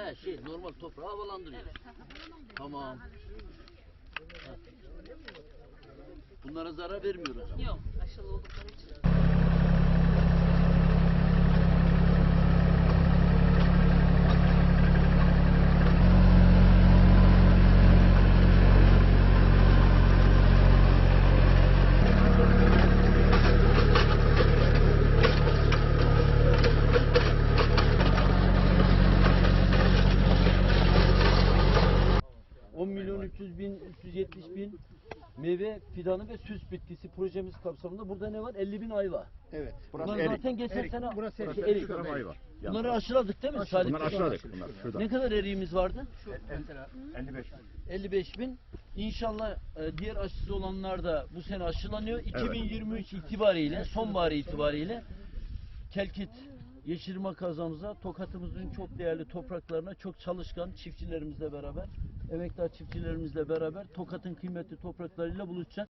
Normal toprağı havalandırıyor. Evet. Tamam. Ha. Bunlara zarar vermiyoruz. Yok, aşılı oldukları için. ...370.000 meyve fidanı ve süs bitkisi projemiz kapsamında burada ne var? 50.000 ayva. Evet. Bunlar zaten geçen sene Burası erik. erik. Ayva. Bunları aşıladık değil mi? Salih? Bunları aşıladık. Bunlar şurada. Ne kadar eriğimiz vardı? Mesela 55.000. İnşallah diğer aşısı olanlar da bu sene aşılanıyor. 2023 itibariyle, sonbahar itibariyle Kelkit Yeşilırmak kazamıza, Tokat'ımızın çok değerli topraklarına çok çalışkan çiftçilerimizle beraber, emektar çiftçilerimizle beraber Tokat'ın kıymetli topraklarıyla buluşacak.